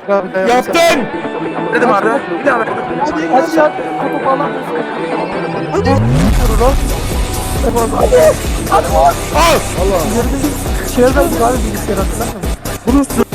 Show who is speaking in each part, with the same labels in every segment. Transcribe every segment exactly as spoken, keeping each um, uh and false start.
Speaker 1: Yaptın.
Speaker 2: Dedim Arda. Bir daha verdim.
Speaker 3: Hadi hadi ya. Topu alamıyorsun.
Speaker 1: Hadi.
Speaker 3: Hadi.
Speaker 1: Al. Allah.
Speaker 3: Çevreden abi bilgisayar hatırlamıyor musun?
Speaker 2: Bunu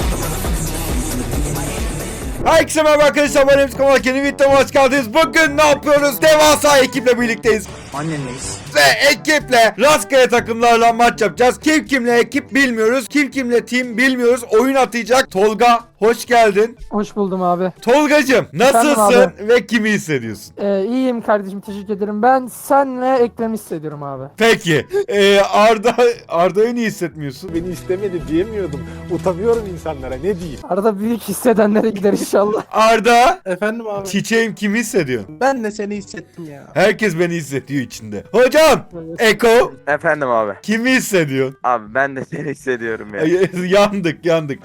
Speaker 1: Herkese merhaba arkadaşlar, ben Emre Kamal, yeni videoma hoş geldiniz. Bugün ne yapıyoruz? Devasa ekiple birlikteyiz.
Speaker 2: annenleyiz.
Speaker 1: Ve ekiple rastgele takımlarla maç yapacağız. Kim kimle ekip bilmiyoruz. Kim kimle team bilmiyoruz. Oyun atacak. Tolga, hoş geldin.
Speaker 3: Hoş buldum abi.
Speaker 1: Tolgacım, nasılsın
Speaker 3: Efendim
Speaker 1: ve kimi hissediyorsun?
Speaker 3: Ee, iyiyim kardeşim, teşekkür ederim. Ben senle Ekrem'i hissediyorum abi.
Speaker 1: Peki. Ee, Arda Arda'yı niye hissetmiyorsun?
Speaker 4: Beni istemedi diyemiyordum. Utanıyorum insanlara, ne diyeyim?
Speaker 3: Arada büyük hissedenlere gider inşallah.
Speaker 1: Arda,
Speaker 5: Efendim abi.
Speaker 1: çiçeğim, kimi hissediyorsun?
Speaker 5: Ben de seni hissettim ya.
Speaker 1: Herkes beni hissediyor içinde. Hocam,
Speaker 3: Evet.
Speaker 1: Eko,
Speaker 2: Efendim abi.
Speaker 1: kimi hissediyorsun?
Speaker 2: Abi ben de seni hissediyorum ya.
Speaker 1: Ay, yandık yandık.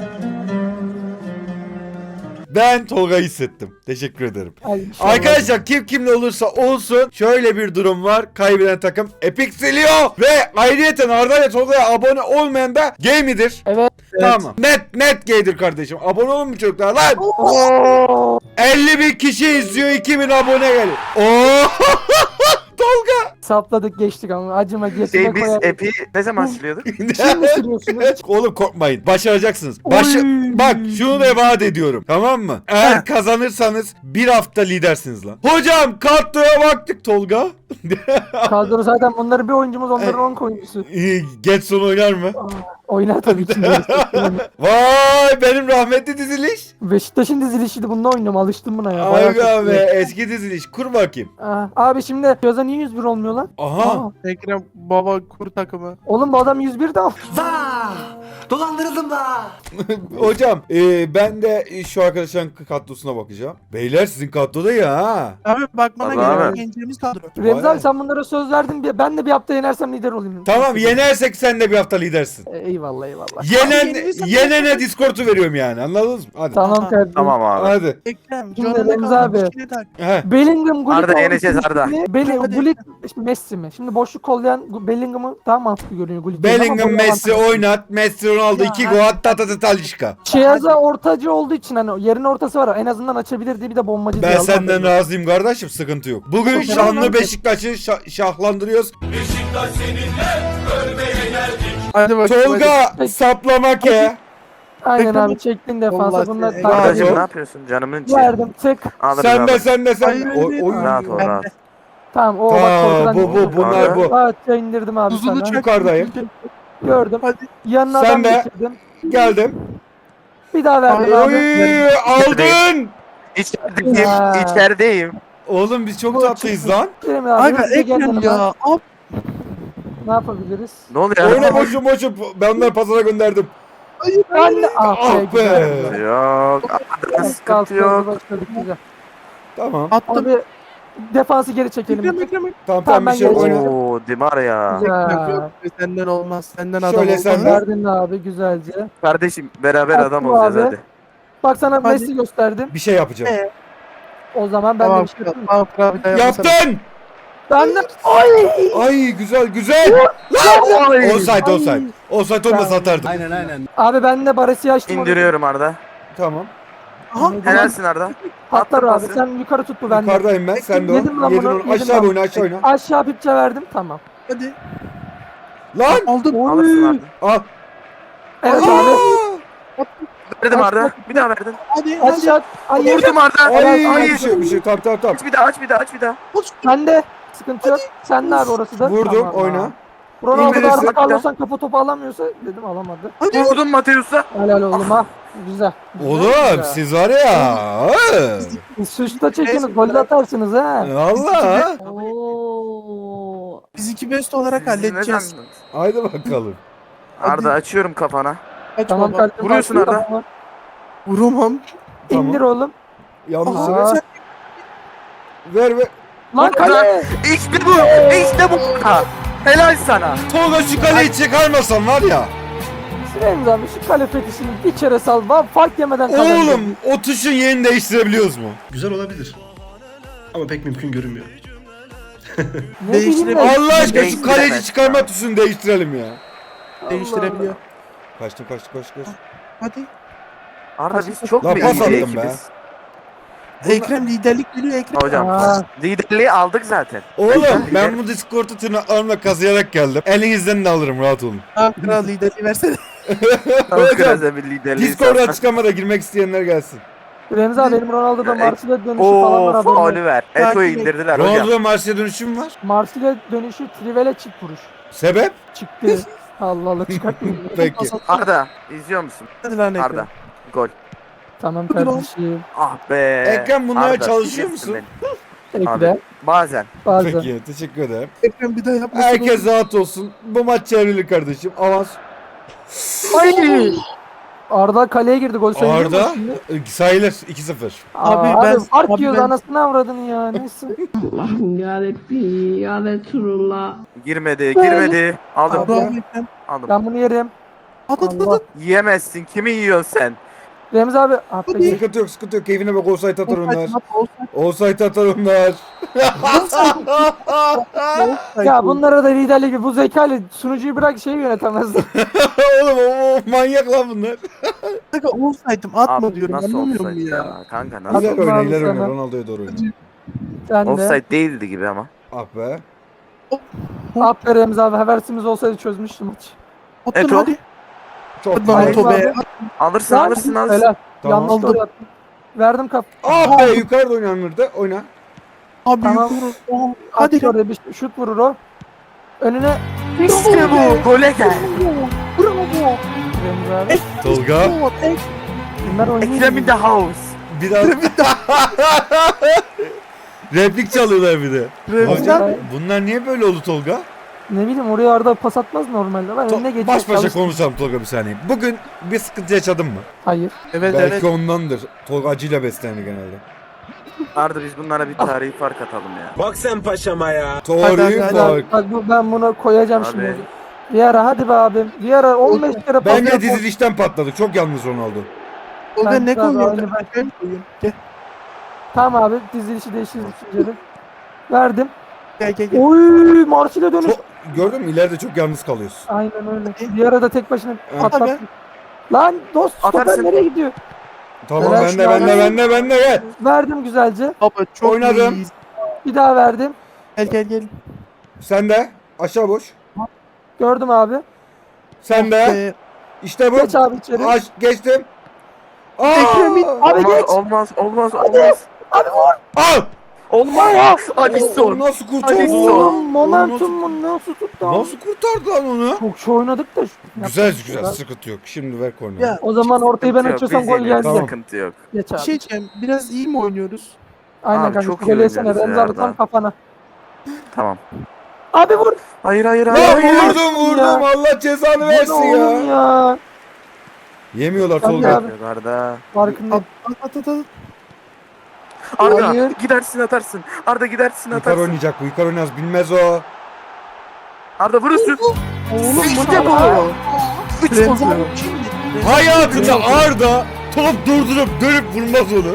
Speaker 1: Ben Tolga'yı hissettim. Teşekkür ederim.
Speaker 3: Ay, inşallah.
Speaker 1: Arkadaşlar kim kimle olursa olsun şöyle bir durum var. Kaybeden takım Epic siliyor. Ve ayrıyeten Arda ile Tolga'ya abone olmayan da Game'idir.
Speaker 3: Evet.
Speaker 1: Tamam. Net net gaydir kardeşim. Abone olun mu çocuklar lan?
Speaker 3: Oo.
Speaker 1: elli bin kişi izliyor, iki bin abone geliyor. Oo! Tolga.
Speaker 3: Sapladık geçtik ama acıma geçme
Speaker 2: Şey biz
Speaker 3: koyalım.
Speaker 2: epi ne zaman siliyorduk?
Speaker 3: Şimdi sürüyorsunuz.
Speaker 1: Oğlum korkmayın. Başaracaksınız. Baş
Speaker 3: Oy.
Speaker 1: Bak şunu da vaat ediyorum. Tamam mı? Eğer kazanırsanız bir hafta lidersiniz lan. Hocam kadroya baktık Tolga.
Speaker 3: Kadro zaten bunların bir oyuncumuz, onların on oyuncusu.
Speaker 1: Ee, Getson oynar mı?
Speaker 3: Aa, oynar tabii ki.
Speaker 1: Vay benim rahmetli diziliş.
Speaker 3: Beşiktaş'ın dizilişiydi, bununla oynuyorum, alıştım buna ya.
Speaker 1: Ay
Speaker 3: Bayağı
Speaker 1: be
Speaker 3: çok iyi.
Speaker 1: eski diziliş. Kur bakayım.
Speaker 3: Aa, abi şimdi Gözde niye yüz bir olmuyor lan?
Speaker 1: Aha.
Speaker 3: Aa,
Speaker 5: Ekrem baba kur takımı.
Speaker 3: oğlum bu adam yüz bir de al.
Speaker 1: Hocam e, ben de şu arkadaşların kadrosuna bakacağım. Beyler sizin kadroda ya ha.
Speaker 5: Abi bakmana
Speaker 2: Abi,
Speaker 5: gerek
Speaker 2: abi.
Speaker 5: yok. Gençlerimiz kadro.
Speaker 3: Remzi
Speaker 1: Vay.
Speaker 3: abi sen bunlara söz verdin. Bir- Ben de bir hafta yenersem lider olayım.
Speaker 1: Tamam yenersek sen de bir hafta lidersin.
Speaker 3: E, eyvallah eyvallah.
Speaker 1: Yenen,
Speaker 5: yenilirsen-
Speaker 1: yenene Discord'u veriyorum yani, anladınız mı? Hadi.
Speaker 3: Tamam
Speaker 5: Aha.
Speaker 3: kardeşim.
Speaker 2: Tamam abi.
Speaker 1: Hadi.
Speaker 5: Ekrem
Speaker 3: Şimdi
Speaker 5: canına
Speaker 3: Remzi
Speaker 5: kaldı.
Speaker 3: abi.
Speaker 5: Bir şey tak.
Speaker 1: He.
Speaker 3: Bellingham, Gullit
Speaker 2: Arda,
Speaker 3: olmuş
Speaker 2: yeneceğiz Arda.
Speaker 3: mi? Belli,
Speaker 5: Hadi.
Speaker 3: Gullit Messi mi? Şimdi boşluk kollayan Gu- Bellingham'ı daha mantıklı görünüyor Gullit.
Speaker 1: Bellingham, Messi oynat. Messi, Ronaldo, iki gol at, ta ta ta Talişka.
Speaker 3: Çeyaza ortacı olduğu için hani yerin ortası var, en azından açabilir diye bir de bombacı diye
Speaker 1: Ben
Speaker 3: aldım.
Speaker 1: senden razıyım kardeşim, sıkıntı yok. Bugün
Speaker 3: Tamam,
Speaker 1: şanlı
Speaker 3: tamam.
Speaker 1: Beşiktaş'ı şa- şahlandırıyoruz.
Speaker 5: Hadi bakayım.
Speaker 1: Tolga saplama ke.
Speaker 3: Aynen
Speaker 5: Bekle.
Speaker 3: abi, çektin defansa
Speaker 5: Vallahi
Speaker 3: bunlar
Speaker 5: seni-
Speaker 3: takip
Speaker 2: Ardacığım
Speaker 1: Bravo.
Speaker 2: ne yapıyorsun? Canımın içi.
Speaker 3: verdim tık.
Speaker 2: Alırız
Speaker 1: Sen de
Speaker 2: abi.
Speaker 1: sen de sen
Speaker 5: Hayır,
Speaker 1: de. Oy, oy.
Speaker 2: Rahat ol rahat.
Speaker 3: Tamam o bak
Speaker 1: Ta,
Speaker 3: korkudan.
Speaker 1: bu bu bunlar bu.
Speaker 3: Rahatça indirdim abi
Speaker 5: Buzulu
Speaker 3: sana.
Speaker 5: çek.
Speaker 1: Yukarıdayım.
Speaker 3: Gördüm.
Speaker 5: Hadi.
Speaker 3: Yanına
Speaker 1: Sen
Speaker 3: adam
Speaker 1: de.
Speaker 3: getirdim.
Speaker 1: Geldim.
Speaker 3: Bir daha verdim
Speaker 5: Ay,
Speaker 3: abi.
Speaker 1: Oy aldın.
Speaker 2: İçerideyim.
Speaker 3: Ya.
Speaker 2: İçerideyim.
Speaker 1: Oğlum biz çok
Speaker 3: Bu
Speaker 1: tatlıyız lan.
Speaker 3: Kerem abi,
Speaker 5: Abi
Speaker 3: hızlıca gel
Speaker 5: Ekrem
Speaker 3: yanıma.
Speaker 5: ya. Abi.
Speaker 3: Ne yapabiliriz?
Speaker 2: Ne oluyor?
Speaker 1: Oyna boşu boşu. Ben onları pazara gönderdim.
Speaker 3: Anne ah
Speaker 1: Ah
Speaker 3: be.
Speaker 1: be.
Speaker 3: güzel.
Speaker 2: Yok. Arda
Speaker 3: Evet,
Speaker 2: sıkıntı
Speaker 3: kalk,
Speaker 2: yok.
Speaker 3: başladık, güzel.
Speaker 1: Tamam.
Speaker 5: Attım.
Speaker 3: Abi defansı geri çekelim.
Speaker 5: Ekrem Ekrem Ekrem.
Speaker 1: Tamam
Speaker 3: Tamam,
Speaker 1: tamam bir
Speaker 3: ben
Speaker 1: şey yok,
Speaker 3: geleceğim.
Speaker 1: oyna.
Speaker 2: Oo Dimar ya.
Speaker 3: Ya.
Speaker 5: Yok, senden olmaz. Senden adam
Speaker 1: Şöyle
Speaker 5: olmaz.
Speaker 1: sen-
Speaker 3: Verdin abi güzelce.
Speaker 2: Kardeşim beraber
Speaker 3: Attım
Speaker 2: adam olacağız
Speaker 3: abi.
Speaker 2: hadi.
Speaker 3: Bak sana
Speaker 5: Hadi.
Speaker 3: Messi gösterdim.
Speaker 1: Bir şey yapacağım.
Speaker 5: Ee,
Speaker 3: O zaman ben de
Speaker 5: Tamam.
Speaker 3: bir şey yapayım.
Speaker 5: Tamam. Tamam. Bir daha yapmasana.
Speaker 1: Yaptın.
Speaker 3: Ben de ay.
Speaker 1: Ay güzel güzel.
Speaker 2: Oy.
Speaker 1: Offside
Speaker 3: Ay.
Speaker 1: offside. Offside olmasa atardım.
Speaker 3: Abi ben de Baresi açtım.
Speaker 2: İndiriyorum Arda.
Speaker 1: Tamam.
Speaker 5: Aha.
Speaker 2: Helalsin Arda.
Speaker 3: Patlar
Speaker 2: Attım
Speaker 3: abi.
Speaker 2: pası.
Speaker 3: Sen yukarı tut bu bende.
Speaker 1: Yukarıdayım ben. Sen de o.
Speaker 3: Yedim ben
Speaker 1: Yedin
Speaker 3: bunu,
Speaker 1: onu.
Speaker 3: yedim
Speaker 1: Aşağı
Speaker 3: ben.
Speaker 1: oyna aşağı oyna.
Speaker 3: Aşağı pipçe verdim tamam.
Speaker 5: Hadi.
Speaker 1: Lan.
Speaker 5: Aldım.
Speaker 2: Alırsın Arda.
Speaker 1: Al.
Speaker 3: Evet
Speaker 1: Aa!
Speaker 3: abi.
Speaker 2: Verdim Arda. Bir daha verdin.
Speaker 5: Hadi. Hadi.
Speaker 3: Aşağı. Ay
Speaker 2: Vurdum Arda.
Speaker 1: Ay
Speaker 2: Hayır.
Speaker 1: bir şey bir şey. Tamam tamam tamam.
Speaker 2: Aç bir daha aç bir daha aç bir daha.
Speaker 3: Sen de. Sıkıntı yok. Sen de abi orası da.
Speaker 1: Vurdum
Speaker 3: Tamam,
Speaker 1: oyna.
Speaker 3: tamam. Ronaldo
Speaker 1: İndirirsin.
Speaker 3: da Arda Carlos'tan kafa topu alamıyorsa dedim alamadı.
Speaker 5: Hadi.
Speaker 2: Vurdum Mateus'a.
Speaker 3: Helal oğlum ha. Güzel. Güzel,
Speaker 1: Oğlum
Speaker 3: güzel.
Speaker 1: siz var ya.
Speaker 3: Suçta çekiniz, gol de atarsınız ha.
Speaker 1: Allah.
Speaker 3: Oo.
Speaker 5: Biz iki best olarak
Speaker 2: Siz ne
Speaker 5: halledeceğiz.
Speaker 2: sandınız?
Speaker 1: Haydi bakalım.
Speaker 2: Arda açıyorum kafana.
Speaker 5: Aç
Speaker 3: Tamam
Speaker 5: baba.
Speaker 3: kardeşim.
Speaker 2: Vuruyorsun
Speaker 3: bak,
Speaker 2: Arda.
Speaker 3: tamam.
Speaker 5: Vuramam.
Speaker 1: Tamam.
Speaker 3: İndir oğlum.
Speaker 1: Yalnız
Speaker 3: Aha.
Speaker 1: ver. Ver ver.
Speaker 3: Lan kale.
Speaker 2: İşte bu. İşte bu. Ha. Helal sana.
Speaker 1: Tolga şu kaleyi çıkarmasan var ya.
Speaker 3: Süreyim abi şu kale fetişini bir kere sal. Bak fark yemeden kazanacağım.
Speaker 1: Oğlum o tuşun yerini değiştirebiliyoruz mu?
Speaker 6: Güzel olabilir. Ama pek mümkün görünmüyor.
Speaker 3: Ne
Speaker 5: Değiştirelim.
Speaker 3: bileyim ben.
Speaker 1: Allah aşkına şu
Speaker 2: Değiştiremez.
Speaker 1: kaleci çıkarma tuşunu değiştirelim ya.
Speaker 5: Değiştirebiliyor.
Speaker 1: Kaçtım kaçtım kaçtım kaçtım.
Speaker 5: Hadi.
Speaker 2: Arda biz çok
Speaker 1: Lan
Speaker 2: mu
Speaker 1: pas
Speaker 2: iyi
Speaker 1: attım
Speaker 2: bir
Speaker 1: be.
Speaker 2: ekibiz?
Speaker 5: Ekrem liderlik geliyor Ekrem.
Speaker 2: Hocam
Speaker 3: Aa.
Speaker 2: liderliği aldık zaten.
Speaker 1: Oğlum ben bu Discord'u tırnaklarımla kazıyarak geldim. Elinizden de alırım rahat olun.
Speaker 5: Ha kral liderliği versene.
Speaker 1: Hocam
Speaker 2: Kırmızı bir liderliği.
Speaker 1: Discord'a açıklamada girmek isteyenler gelsin.
Speaker 3: Remzi abi benim Ronaldo'da
Speaker 2: Ya,
Speaker 3: Marsilya dönüşü falan var
Speaker 2: Oo
Speaker 3: haberin yok.
Speaker 2: Oliver. Eto'yu
Speaker 5: Takip et.
Speaker 2: indirdiler hocam.
Speaker 1: Ronaldo'da Marsilya dönüşüm var.
Speaker 3: Marsilya dönüşü Trivela çift vuruş.
Speaker 1: Sebep?
Speaker 3: Çıktı. Allah Allah çıkartmayayım.
Speaker 1: Peki.
Speaker 2: Arda izliyor musun?
Speaker 5: Hadi lan Ekrem.
Speaker 2: Arda. Gol.
Speaker 3: Tamam
Speaker 5: Hadi lan.
Speaker 3: kardeşim.
Speaker 2: Ah be.
Speaker 1: Ekrem bunlara
Speaker 2: Arda,
Speaker 1: çalışıyor
Speaker 2: sikeceksin
Speaker 1: musun?
Speaker 2: beni.
Speaker 3: Ekle.
Speaker 2: Abi bazen.
Speaker 3: Bazen.
Speaker 1: Peki teşekkür ederim.
Speaker 5: Ekrem bir daha yapmasın.
Speaker 1: Herkes rahat olsun. Bu maç çevrili kardeşim. Avans.
Speaker 3: Ay! Arda kaleye girdi gol sayılır mı
Speaker 1: Arda
Speaker 3: şimdi?
Speaker 1: e, sayılır iki sıfır.
Speaker 5: Abi
Speaker 3: Abi,
Speaker 5: ben-
Speaker 3: abi fark
Speaker 5: abi
Speaker 3: yiyoruz
Speaker 5: ben-
Speaker 3: anasını avradını ya neyse.
Speaker 7: Allah'ım yarabbim ya Resulullah.
Speaker 2: Girmedi, girmedi. Aldım.
Speaker 5: Abi abi Ekrem.
Speaker 2: Aldım.
Speaker 3: Ben bunu yerim.
Speaker 5: At at at
Speaker 3: Allah.
Speaker 5: at.
Speaker 2: Yiyemezsin. Kimi yiyorsun sen?
Speaker 3: Remzi abi. Ah,
Speaker 5: Hadi.
Speaker 3: peki.
Speaker 1: Sıkıntı yok sıkıntı yok. Keyfine bak offside atar onlar.
Speaker 5: Offside, offside,
Speaker 1: Offside atar onlar.
Speaker 5: offside.
Speaker 3: Ya bunlara da liderlik gibi bu zekayla sunucuyu bırak şeyi yönetemezler.
Speaker 1: Oğlum o, o manyak lan bunlar.
Speaker 5: Kanka offside'ım atma
Speaker 2: Abi,
Speaker 5: diyorum
Speaker 2: nasıl
Speaker 5: anlamıyor
Speaker 2: offside
Speaker 5: musun ya?
Speaker 2: ya? Kanka nasıl?
Speaker 1: İler
Speaker 3: Atma
Speaker 1: oyna
Speaker 3: abi
Speaker 1: iler oyna.
Speaker 3: sana.
Speaker 1: Ronaldo'ya doğru oyna.
Speaker 3: Sen de.
Speaker 2: Offside değildi gibi ama.
Speaker 1: Ah be.
Speaker 3: Ah be Remzi abi haversimiz olsaydı çözmüştüm maçı.
Speaker 5: Attın
Speaker 2: Eto.
Speaker 5: hadi.
Speaker 1: Çok
Speaker 5: Hadi lan
Speaker 3: Hayır
Speaker 1: güzel.
Speaker 5: Eto be.
Speaker 3: abi.
Speaker 2: Alırsın
Speaker 3: Lan,
Speaker 2: alırsın alırsın.
Speaker 3: Helal.
Speaker 1: Tamam.
Speaker 3: Yanlış doğru attım. Verdim kap.
Speaker 1: Ah be yukarıda oynanırdı. Oyna.
Speaker 5: Abi
Speaker 3: Tamam.
Speaker 5: yukarı. Oh,
Speaker 3: Hadi
Speaker 5: Hadi lan.
Speaker 3: oraya bir şut vurur o. Önüne
Speaker 2: İşte bu. Gole gel.
Speaker 5: Bravo.
Speaker 3: Remzi abi.
Speaker 1: Tolga.
Speaker 5: Bravo. Ekrem.
Speaker 3: Bunlar oynuyor.
Speaker 2: Ekrem in the house.
Speaker 1: Biraz. Replik çalıyorlar bir de. Hocam bunlar niye böyle oldu Tolga?
Speaker 3: Ne bileyim oraya Arda pas atmaz normalde. Ben önüne
Speaker 1: To-
Speaker 3: geçip
Speaker 1: baş başa
Speaker 3: çalıştım.
Speaker 1: konuşalım Tolga bir saniye. Bugün bir sıkıntı yaşadın mı?
Speaker 3: Hayır.
Speaker 5: Evet
Speaker 1: Belki
Speaker 5: evet.
Speaker 1: ondandır. Tolga acıyla beslenir genelde.
Speaker 2: Arda biz bunlara bir tarihi fark atalım ya.
Speaker 4: Bak sen paşama ya.
Speaker 1: Tarihi
Speaker 5: hadi, hadi.
Speaker 1: fark.
Speaker 3: Bak bu- ben bunu koyacağım
Speaker 2: Abi.
Speaker 3: şimdi. Bir ara hadi be abim. Bir ara on beş kere pas
Speaker 1: Bence
Speaker 3: yap-
Speaker 1: dizilişten patladık. Çok yalnız Ronaldo.
Speaker 5: Tolga
Speaker 3: Ben-
Speaker 5: ne
Speaker 3: ben-
Speaker 5: koyuyorsun?
Speaker 3: aynı ben-
Speaker 5: Ben koyuyorum. Gel
Speaker 3: Tamam abi dizilişi değiştirdik düşüncelim. Verdim.
Speaker 5: gel gel. gel.
Speaker 3: Oy Marsilya dönüş.
Speaker 1: Çok, gördün mü? İleride çok yalnız kalıyorsun.
Speaker 3: Aynen öyle. Bir ara da tek başına
Speaker 1: Evet.
Speaker 3: patlattı. Lan dost stoper
Speaker 2: Atarsın.
Speaker 3: nereye gidiyor?
Speaker 1: Tamam
Speaker 3: Helal
Speaker 1: bende
Speaker 3: şu an.
Speaker 1: bende bende bende gel.
Speaker 3: Verdim güzelce.
Speaker 5: Baba çok
Speaker 1: Oynadım.
Speaker 5: iyiyiz.
Speaker 3: Bir daha verdim.
Speaker 5: Gel gel gel.
Speaker 1: Sen de. Aşağı boş.
Speaker 3: Gördüm abi.
Speaker 1: Sen de.
Speaker 5: Be.
Speaker 1: İşte bu.
Speaker 3: Geç abi içeri.
Speaker 1: Aş, geçtim. Aa!
Speaker 3: Ekrem'in- Abi
Speaker 2: olmaz,
Speaker 3: geç.
Speaker 2: olmaz olmaz olmaz.
Speaker 3: Abi vur.
Speaker 1: Al.
Speaker 2: Olmaz. Hadi
Speaker 1: O
Speaker 2: son.
Speaker 1: nasıl
Speaker 2: Hadi
Speaker 1: kurtardı?
Speaker 2: son.
Speaker 1: onu?
Speaker 3: Oğlum momentum mu nasıl tuttu?
Speaker 1: Nasıl kurtardı lan onu?
Speaker 3: Çok şey oynadık da.
Speaker 1: Güzel güzel sıkıntı yok. Şimdi ver korneri.
Speaker 5: Ya
Speaker 3: O zaman ortayı ben
Speaker 2: Sıkıntı yok,
Speaker 3: açıyorsam
Speaker 2: biz
Speaker 3: gol
Speaker 2: yeniyoruz,
Speaker 3: geldi.
Speaker 1: Tamam.
Speaker 2: Sıkıntı yok.
Speaker 3: Geç
Speaker 5: bir
Speaker 3: abi.
Speaker 5: şey diyeceğim. Biraz iyi mi oynuyoruz?
Speaker 3: Aynen
Speaker 2: Abi
Speaker 3: kanka.
Speaker 2: çok
Speaker 3: Çok
Speaker 2: iyi
Speaker 3: gol yesene.
Speaker 2: oynuyoruz
Speaker 3: Remzi
Speaker 2: ya
Speaker 3: abi tam
Speaker 2: Arda.
Speaker 3: kafana.
Speaker 2: Tamam.
Speaker 3: Abi vur.
Speaker 2: Hayır hayır
Speaker 1: Lan
Speaker 2: hayır. hayır.
Speaker 1: vurdum vurdum.
Speaker 3: Ya.
Speaker 1: Allah cezanı
Speaker 3: Vur
Speaker 1: versin
Speaker 3: oğlum
Speaker 1: ya.
Speaker 3: ya.
Speaker 1: Yemiyorlar
Speaker 3: Tabii
Speaker 1: Tolga.
Speaker 3: abi.
Speaker 2: Yok Arda.
Speaker 3: Farkındayım.
Speaker 5: At at at at.
Speaker 2: Arda
Speaker 3: Hayır.
Speaker 2: gidersin atarsın. Arda gidersin
Speaker 1: Yukarı
Speaker 2: atarsın.
Speaker 1: oynayacak bu. Yukarı oynayacak. Bilmez o.
Speaker 2: Arda vurursun.
Speaker 3: Oğlum bu
Speaker 2: İşte
Speaker 3: ne
Speaker 2: bu.
Speaker 3: ya?
Speaker 2: Üç
Speaker 5: Remzi
Speaker 2: oldu.
Speaker 5: abi şimdi.
Speaker 1: Hayatında Arda top durdurup dönüp vurmaz onu.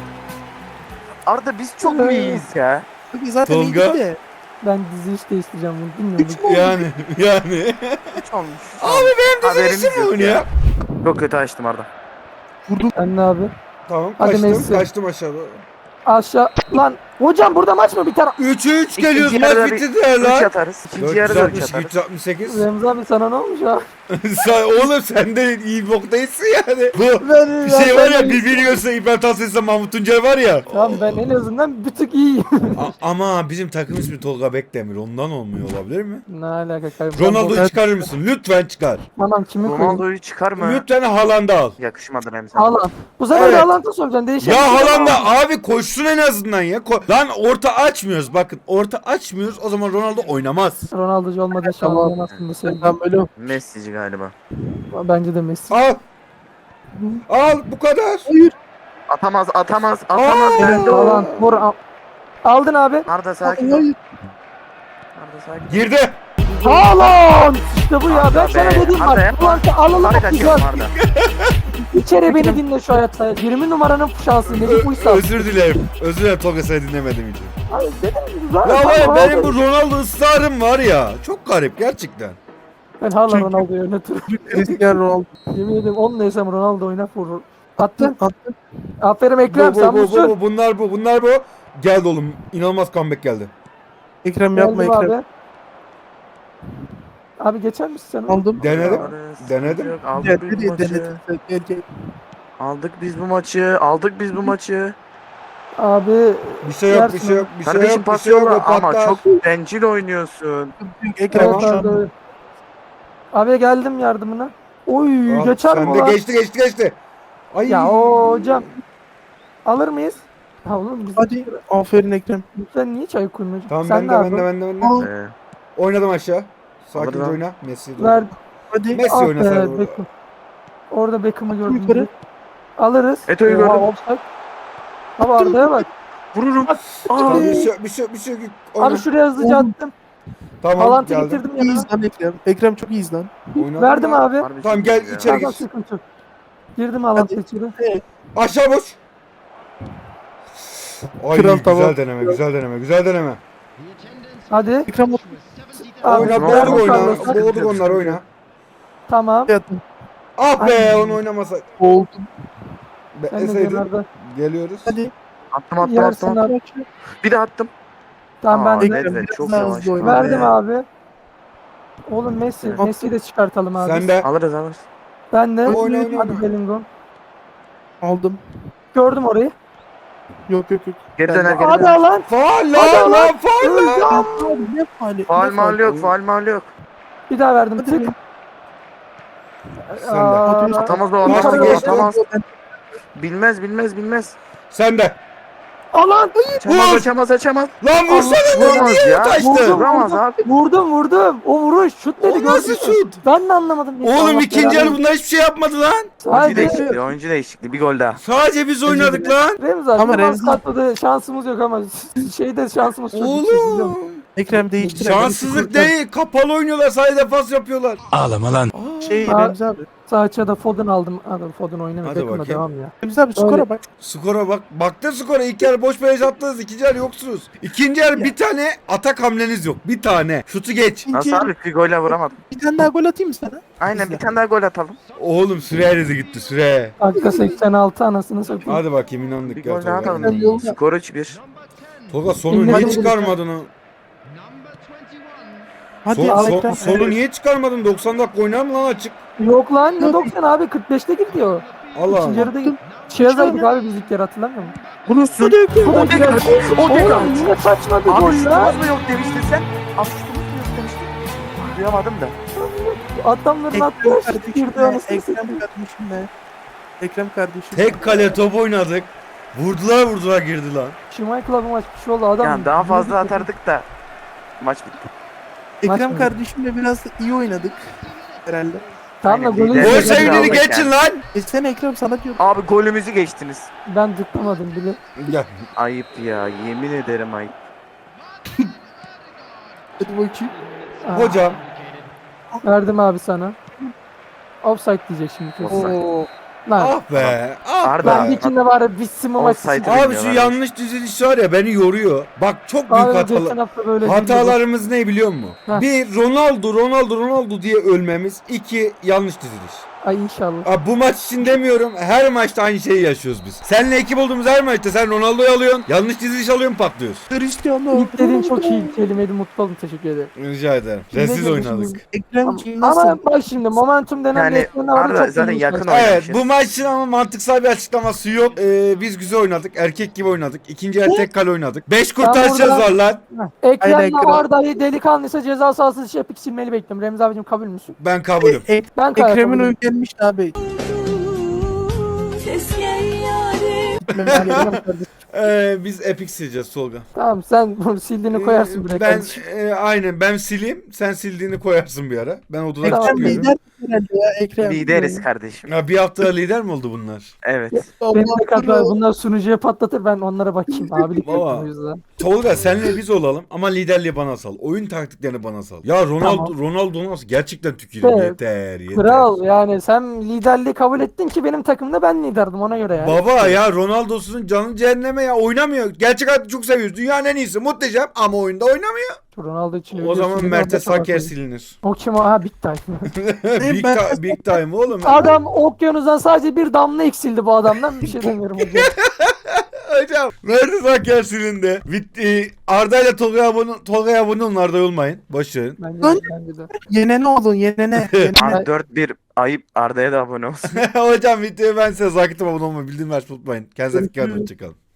Speaker 2: Arda biz çok mu iyiyiz ya?
Speaker 5: Abi zaten
Speaker 1: Tolga.
Speaker 5: iyiydi de.
Speaker 3: Ben diziliş değiştireceğim bunu bilmiyorum.
Speaker 5: Üç mü oldu?
Speaker 1: Yani yani.
Speaker 2: Üç olmuş.
Speaker 1: Abi benim
Speaker 2: Haberimiz
Speaker 1: dizilişim mi
Speaker 2: yok
Speaker 1: oynuyor?
Speaker 2: ya. Çok kötü açtım Arda.
Speaker 5: Vurdum.
Speaker 3: Ben ne abi?
Speaker 1: Tamam
Speaker 3: Hadi
Speaker 1: kaçtım
Speaker 3: Messi.
Speaker 1: kaçtım aşağıda.
Speaker 3: Aşağı. Lan hocam burada maç mı biter?
Speaker 1: üçe üç
Speaker 2: İkinci
Speaker 1: geliyoruz
Speaker 2: yarıda
Speaker 1: maç
Speaker 2: bir
Speaker 1: bitti de
Speaker 2: Üç
Speaker 1: lan.
Speaker 2: atarız. İkinci yarıda üç atarız.
Speaker 1: üç altmış sekiz.
Speaker 3: Remzi abi sana ne olmuş ya?
Speaker 1: Sen, oğlum sen de iyi bir boktaysın yani. Bu
Speaker 3: Ben,
Speaker 1: bir şey var ya birbirini görse hipertansiyonsa Mahmut Tuncel var ya.
Speaker 3: Tamam ben en azından bir tık iyiyim.
Speaker 1: A- ama bizim takım ismi Tolga Bekdemir ondan olmuyor olabilir mi?
Speaker 3: Ne alaka kardeşim?
Speaker 1: Ronaldo'yu çıkarır mısın? Lütfen çıkar.
Speaker 3: Tamam kimi koyayım?
Speaker 2: Ronaldo'yu çıkar mı?
Speaker 1: Lütfen Haaland'ı al.
Speaker 2: Yakışmadı Remzi.
Speaker 3: Haaland. Bu sefer
Speaker 1: Evet.
Speaker 3: de Haaland'ı soracağım. Değişen
Speaker 1: Ya
Speaker 3: bir şey yok
Speaker 1: Haaland'ı
Speaker 3: ama.
Speaker 1: abi koşsun en azından ya. Ko- Lan orta açmıyoruz bakın. Orta açmıyoruz o zaman Ronaldo oynamaz.
Speaker 3: Ronaldo'cu olmadığı şu
Speaker 5: Tamam.
Speaker 3: an aslında söyleyeyim.
Speaker 5: Ben böyle
Speaker 2: Messi'ci galiba.
Speaker 3: Bence de Messi.
Speaker 1: Al. Al bu kadar.
Speaker 2: Atamaz atamaz atamaz.
Speaker 1: Aa!
Speaker 2: Ben de o.
Speaker 3: Haaland. Vur. al- Aldın abi.
Speaker 2: Arda sakin ol.
Speaker 5: Hayır.
Speaker 2: Arda sakin ol.
Speaker 1: Girdi.
Speaker 3: Haaland! İşte bu ya. Ben
Speaker 2: Arda
Speaker 3: sana
Speaker 2: be,
Speaker 3: dedim
Speaker 2: Arda
Speaker 3: var.
Speaker 2: yapma.
Speaker 3: Haaland'ı alalım
Speaker 2: Fark
Speaker 3: güzel.
Speaker 2: açıyorum Arda.
Speaker 3: Bir kere beni dinle şu hayatta. yirmi numaranın şansı. Necip Uysal.
Speaker 1: Özür dilerim. Özür dilerim Tolga seni dinlemedim için.
Speaker 3: Ay dedim. zaten
Speaker 1: Ya var ya
Speaker 3: Haaland-
Speaker 1: benim bu Ronaldo ısrarım var ya. Çok garip gerçekten.
Speaker 3: Ben hala Ronaldo'yu oynatırım.
Speaker 5: Cristiano Ronaldo.
Speaker 3: Yemin ederim onunla yesem Ronaldo oynar vurur. Attın.
Speaker 5: Attın.
Speaker 3: Aferin
Speaker 1: Bu,
Speaker 3: Ekrem
Speaker 1: bu,
Speaker 3: sen
Speaker 1: bu, bu,
Speaker 3: busun.
Speaker 1: bu, bunlar bu, bunlar bu. Geldi oğlum. İnanılmaz comeback geldi.
Speaker 5: Ekrem yapma
Speaker 3: Geldim
Speaker 5: Ekrem.
Speaker 3: abi. Abi geçer misin sen?
Speaker 5: Aldım.
Speaker 1: Denedim.
Speaker 2: Ares,
Speaker 1: Denedim.
Speaker 2: yok,
Speaker 5: Gel,
Speaker 2: Aldık biz bu
Speaker 5: hadi
Speaker 2: maçı.
Speaker 5: denedim. Gel gel.
Speaker 2: Aldık biz bu maçı. Aldık biz bu maçı.
Speaker 3: Abi
Speaker 1: Bir şey yok, bir
Speaker 3: yersin
Speaker 1: şey
Speaker 3: onu.
Speaker 1: yok, bir şey
Speaker 2: Kardeşim
Speaker 1: yok, bir
Speaker 2: pas
Speaker 1: şey yok. O
Speaker 2: yolla ama
Speaker 1: patlar.
Speaker 2: çok bencil oynuyorsun.
Speaker 5: Ekrem
Speaker 3: Evet
Speaker 5: şu
Speaker 3: abi.
Speaker 5: an.
Speaker 3: evet. Abi geldim yardımına. Oy
Speaker 1: Al,
Speaker 3: geçer mi
Speaker 1: sen de
Speaker 3: ulan?
Speaker 1: geçti, geçti, geçti. Ay.
Speaker 3: Ya o hocam. Alır mıyız? Ha oğlum biz
Speaker 5: Hadi. Aferin Ekrem.
Speaker 3: sen niye çay koymuyorsun?
Speaker 1: Tamam,
Speaker 3: sen
Speaker 1: ben
Speaker 3: ne
Speaker 1: de, ben
Speaker 3: yaptın?
Speaker 1: de, ben de, ben de.
Speaker 5: Al.
Speaker 2: Ee,
Speaker 1: Oynadım aşağı. Sakince
Speaker 2: Alır lan.
Speaker 1: oyna. Messi. doğru.
Speaker 3: Ver.
Speaker 5: Hadi.
Speaker 1: Messi
Speaker 3: Ah
Speaker 1: oynasaydı
Speaker 3: be
Speaker 1: orada.
Speaker 3: Beckham. Orada Beckham'ı gördüm.
Speaker 5: Yukarı.
Speaker 3: direkt. Alırız.
Speaker 2: Eto'yu
Speaker 3: Oha,
Speaker 2: gördüm.
Speaker 3: offside. Abi Arda'ya bak.
Speaker 2: vururum.
Speaker 1: Tamam, bir şey yok, bir şey yok, bir şey yok. Oyna.
Speaker 3: Abi şuraya hızlıca
Speaker 5: Oğlum.
Speaker 3: attım.
Speaker 1: Tamam,
Speaker 3: Balantı
Speaker 1: geldim.
Speaker 3: getirdim
Speaker 5: İyiyiz
Speaker 3: yanına.
Speaker 5: lan Ekrem. Ekrem çok iyiyiz lan.
Speaker 1: Oynadım
Speaker 3: Verdim
Speaker 1: ya.
Speaker 3: abi.
Speaker 2: Harbi
Speaker 1: Tamam,
Speaker 2: çok
Speaker 1: gel
Speaker 2: iyi ya.
Speaker 1: içeri.
Speaker 3: Tamam
Speaker 1: gir.
Speaker 3: sıkıntı yok. Girdim alantı
Speaker 5: Hadi.
Speaker 3: içeri.
Speaker 1: Aşağı boş. Ay
Speaker 5: Kral
Speaker 1: güzel
Speaker 5: tamam.
Speaker 1: deneme, güzel deneme, güzel deneme.
Speaker 3: Hadi.
Speaker 5: Ekrem
Speaker 3: Abi,
Speaker 1: Oyna,
Speaker 2: tamam,
Speaker 1: boğduk
Speaker 2: tamam,
Speaker 1: oyna.
Speaker 2: tamam.
Speaker 1: Boğduk onlar, oyna.
Speaker 3: Tamam.
Speaker 5: yaptım.
Speaker 1: Ah be,
Speaker 3: Ay.
Speaker 1: onu oynamasa.
Speaker 5: Oldum.
Speaker 3: Ben de
Speaker 1: Beseydin.
Speaker 3: kenarda.
Speaker 1: Geliyoruz.
Speaker 5: Hadi.
Speaker 2: Attım attım
Speaker 3: Yersin
Speaker 2: attım.
Speaker 3: abi.
Speaker 2: Bir de attım.
Speaker 3: Tamam
Speaker 2: Aa,
Speaker 3: ben de.
Speaker 5: Ekrem
Speaker 2: Nedved
Speaker 5: biraz
Speaker 2: çok
Speaker 5: daha
Speaker 2: yavaş.
Speaker 5: hızlı oyna.
Speaker 3: Verdim
Speaker 5: be.
Speaker 3: abi. Oğlum Messi.
Speaker 2: Evet.
Speaker 3: Messi'yi de çıkartalım abi.
Speaker 1: Sen de.
Speaker 2: Alırız alırız.
Speaker 3: Ben de.
Speaker 1: Oyna, oyna,
Speaker 3: Hadi
Speaker 1: oyna.
Speaker 3: Bellingham.
Speaker 5: Aldım.
Speaker 3: Gördüm orayı.
Speaker 5: Yok yok yok.
Speaker 2: Geri
Speaker 5: Ben
Speaker 2: döner
Speaker 5: de-
Speaker 2: geri
Speaker 3: Hadi
Speaker 2: döner.
Speaker 3: lan.
Speaker 1: Faal
Speaker 3: Hadi
Speaker 1: lan
Speaker 3: lan.
Speaker 1: lan, faal lan.
Speaker 5: Abi ne faali?
Speaker 2: Faal
Speaker 5: Ne
Speaker 2: mal yok
Speaker 5: faali?
Speaker 2: faal mal yok.
Speaker 3: Bir daha verdim.
Speaker 5: Hadi
Speaker 3: Tık.
Speaker 5: be.
Speaker 1: Sen de.
Speaker 3: Aa,
Speaker 2: Atamaz o
Speaker 1: Yukarı
Speaker 2: atamaz o
Speaker 1: geçti.
Speaker 2: atamaz. Bilmez bilmez bilmez.
Speaker 1: Sen de.
Speaker 3: Alan.
Speaker 2: Açamaz
Speaker 1: Vur!
Speaker 2: açamaz açamaz.
Speaker 1: Lan vursana, lan
Speaker 2: Vuramaz
Speaker 1: niye
Speaker 2: ya.
Speaker 1: kaçtı?
Speaker 3: Vurdum.
Speaker 2: Vuramaz abi.
Speaker 3: Vurdum vurdum. O vuruş. Şut dedi.
Speaker 1: O nasıl
Speaker 3: gördün mü?
Speaker 1: şut?
Speaker 3: Ben de anlamadım.
Speaker 1: Oğlum
Speaker 3: Allah
Speaker 1: ikinci
Speaker 3: belanı-
Speaker 1: yarı bunlar hiçbir şey yapmadı lan.
Speaker 2: Oyuncu
Speaker 3: Sadece
Speaker 2: değişikliği oyuncu değişikliği bir gol daha.
Speaker 1: Sadece biz oynadık lan.
Speaker 3: Remzi abi.
Speaker 5: Ama
Speaker 3: Ama
Speaker 5: Remzi-
Speaker 3: Remzi... şansımız yok ama şeyde şansımız çok yüksek, biliyor musun?
Speaker 1: Oğlum.
Speaker 5: Ekrem değiştir.
Speaker 1: Şanssızlık değil. Kapalı oynuyorlar. Sadece defans yapıyorlar.
Speaker 5: Şey
Speaker 3: Aa.
Speaker 5: Remzi abi.
Speaker 3: Sağ açıda Foden aldım. Hadi Foden oynamıyor.
Speaker 1: Hadi
Speaker 3: Beckham'la
Speaker 1: bakayım.
Speaker 3: devam ya.
Speaker 5: Remzi abi skora bak.
Speaker 1: Skora bak. Baktın skora. İlk yarı boş beleş attınız. İkinci yarı yoksunuz. İkinci yarı bir tane atak hamleniz yok. Bir tane. Şutu geç.
Speaker 2: Nasıl abi bir golle vuramadım.
Speaker 5: Bir tane daha gol atayım mı sana?
Speaker 2: Aynen
Speaker 5: İzle.
Speaker 2: bir tane daha gol atalım.
Speaker 1: Oğlum süre eridi gitti süre.
Speaker 3: Dakika seksen altı anasını satayım.
Speaker 1: Hadi bakayım, inandık
Speaker 2: Bir
Speaker 1: ya
Speaker 2: gol daha
Speaker 1: Tolga.
Speaker 2: atalım.
Speaker 5: Yolda.
Speaker 2: Skor üç bir.
Speaker 1: Tolga sonu
Speaker 3: İnandık.
Speaker 1: niye çıkarmadın o?
Speaker 5: Hadi
Speaker 1: Son,
Speaker 5: al
Speaker 1: son-
Speaker 5: Ekrem.
Speaker 1: sonu niye çıkarmadın? doksan dakika oynar mı lan açık?
Speaker 3: Yok lan ne doksan abi kırk beşte girdi o.
Speaker 1: Allah
Speaker 3: İkinci
Speaker 1: Allah.
Speaker 3: yarıda şey yazaydık abi biz ilk yarı hatırlamıyor musun?
Speaker 5: Bulursun.
Speaker 3: Bu da
Speaker 2: O tekrar. O tekrar.
Speaker 3: Oğlum yine saçma bir
Speaker 2: Abi
Speaker 3: gol lan.
Speaker 2: şutumuz mu yok demiştin sen? Asistimiz mi yok demiştin? Duyamadım da.
Speaker 3: Adamların
Speaker 5: Ekrem
Speaker 3: attığı şut
Speaker 5: kardeşim
Speaker 3: girdi
Speaker 5: be.
Speaker 3: anasını
Speaker 5: Ekrem
Speaker 3: satayım.
Speaker 5: kardeşim be. Ekrem kardeşim.
Speaker 1: Tek kale top oynadık. Vurdular vurdular girdi lan.
Speaker 3: Schmeichel'a bu maç bir şey oldu adam.
Speaker 2: Yani daha fazla atardık da. Maç bitti.
Speaker 5: Ekrem
Speaker 3: Maç mı?
Speaker 5: kardeşimle biraz da iyi oynadık. Herhalde.
Speaker 3: Tamam da
Speaker 2: Aynen,
Speaker 3: golü
Speaker 2: lider.
Speaker 1: Gol
Speaker 2: Evet,
Speaker 1: sevinini
Speaker 2: aldık
Speaker 1: geçin
Speaker 2: yani.
Speaker 1: lan.
Speaker 5: E sen Ekrem sana diyorum.
Speaker 2: Abi golümüzü geçtiniz.
Speaker 3: ben tıklamadım bile.
Speaker 1: Ya.
Speaker 2: Ayıp ya yemin ederim ayıp.
Speaker 5: Hadi bakayım.
Speaker 3: Aa,
Speaker 1: Hocam.
Speaker 3: verdim abi sana. Offside diyecek şimdi kesin.
Speaker 2: Offside.
Speaker 5: Oo.
Speaker 3: Lan
Speaker 1: Ah be. Ah
Speaker 2: Arda.
Speaker 1: be.
Speaker 3: ben dikinde var ya bitsin bu maç.
Speaker 2: Offside.
Speaker 3: için.
Speaker 1: Abi şu yanlış diziliş var ya beni yoruyor. Bak çok büyük
Speaker 3: Abi
Speaker 1: hatalar.
Speaker 3: geçen hafta böyle
Speaker 1: Hatalarımız ne biliyor musun?
Speaker 3: Heh.
Speaker 1: Bir, Ronaldo Ronaldo Ronaldo diye ölmemiz. İki, yanlış diziliş.
Speaker 3: Ay inşallah.
Speaker 1: Abi bu maç için demiyorum. Her maçta aynı şeyi yaşıyoruz biz. Seninle ekip olduğumuz her maçta sen Ronaldo'yu alıyorsun. Yanlış diziliş alıyorsun, patlıyorsun.
Speaker 5: Cristiano.
Speaker 3: İlk dediğin çok iyi kelimeydi, mutlu oldum, teşekkür ederim.
Speaker 1: Rica ederim.
Speaker 3: Şimdi
Speaker 1: Rezil
Speaker 3: ne
Speaker 1: oynadık.
Speaker 3: diyorsun?
Speaker 5: Ekremciğim nasıl?
Speaker 3: Ama bak şimdi momentum denen
Speaker 2: Yani
Speaker 3: bir etken de var.
Speaker 2: Arda
Speaker 3: çok
Speaker 2: zaten
Speaker 3: iyi
Speaker 2: yakın
Speaker 3: işler.
Speaker 2: oynadı.
Speaker 1: Evet,
Speaker 2: oynamışız.
Speaker 1: bu maçın ama mantıksal bir açıklaması yok. Ee, biz güzel oynadık. Erkek gibi oynadık. İkinci yarı tek kale oynadık. beş kurtaracağız
Speaker 3: burada-
Speaker 1: var lan.
Speaker 3: Heh. Ekrem'le
Speaker 5: Aynen, kral.
Speaker 3: Arda'yı delikanlıysa ceza sahası dışı yapıp silmeli bekliyorum. Remzi abicim kabul müsün?
Speaker 1: Ben kabulüm.
Speaker 5: E,
Speaker 3: Ben kabul
Speaker 5: Ekrem'in
Speaker 3: kabulüm.
Speaker 5: oyu gelmiş abi.
Speaker 1: Ee, biz epic sileceğiz Tolga.
Speaker 3: Tamam sen bunu sildiğini koyarsın buraya.
Speaker 1: Ee, Ben
Speaker 3: kardeşim.
Speaker 1: e, aynen ben sileyim. Sen sildiğini koyarsın bir ara. Ben odadan
Speaker 3: Tamam.
Speaker 5: Ekrem
Speaker 1: çıkıyorum.
Speaker 5: lider herhalde ya Ekrem.
Speaker 2: Lideriz kardeşim.
Speaker 1: Ya bir hafta lider mi oldu bunlar?
Speaker 2: Evet.
Speaker 3: Benim de
Speaker 5: Allah
Speaker 3: kadar
Speaker 5: Allah.
Speaker 3: bunlar sunucuya patlatır ben onlara bakayım. Abilik
Speaker 1: Baba.
Speaker 3: yapıyorum o yüzden.
Speaker 1: Tolga senle biz olalım ama liderliği bana sal. Oyun taktiklerini bana sal. Ya Ronaldo
Speaker 3: Tamam.
Speaker 1: Ronaldo nasıl gerçekten tükürüyor.
Speaker 3: Evet.
Speaker 1: Yeter yeter.
Speaker 3: Kral yani sen liderliği kabul ettin ki benim takımda ben liderdim ona göre yani.
Speaker 1: Baba ya Ronaldo'sunun canı cehenneme ya, oynamıyor. Gerçek hayatta çok seviyoruz. Dünyanın en iyisi, muhteşem ama oyunda oynamıyor.
Speaker 3: Ronaldo için
Speaker 1: O
Speaker 3: ölüyorsun,
Speaker 1: zaman
Speaker 3: bir
Speaker 1: Mert'e
Speaker 3: anda salak
Speaker 1: Saker
Speaker 3: oluyor.
Speaker 1: silinir.
Speaker 3: O kim o? Ha Big Time.
Speaker 1: big, ti- big time oğlum.
Speaker 3: Adam okyanusdan sadece bir damla eksildi bu adamdan. Bir şey demiyorum hocam.
Speaker 1: Hocam Mert'e Saker silindi. Bitti. Arda ile Tolga'ya abone, Tolga'ya abone olun, Arda'ya olmayın. Boş verin.
Speaker 3: Bence
Speaker 5: Lan-
Speaker 3: de, bence de.
Speaker 5: Yenene olun yenene.
Speaker 2: Abi dört bir ayıp Arda'ya da abone olsun.
Speaker 1: Hocam videoyu ben size zakittim, abone olmayı, bildirim açmayı unutmayın. Kendinize dikkat edin. Hoşçakalın.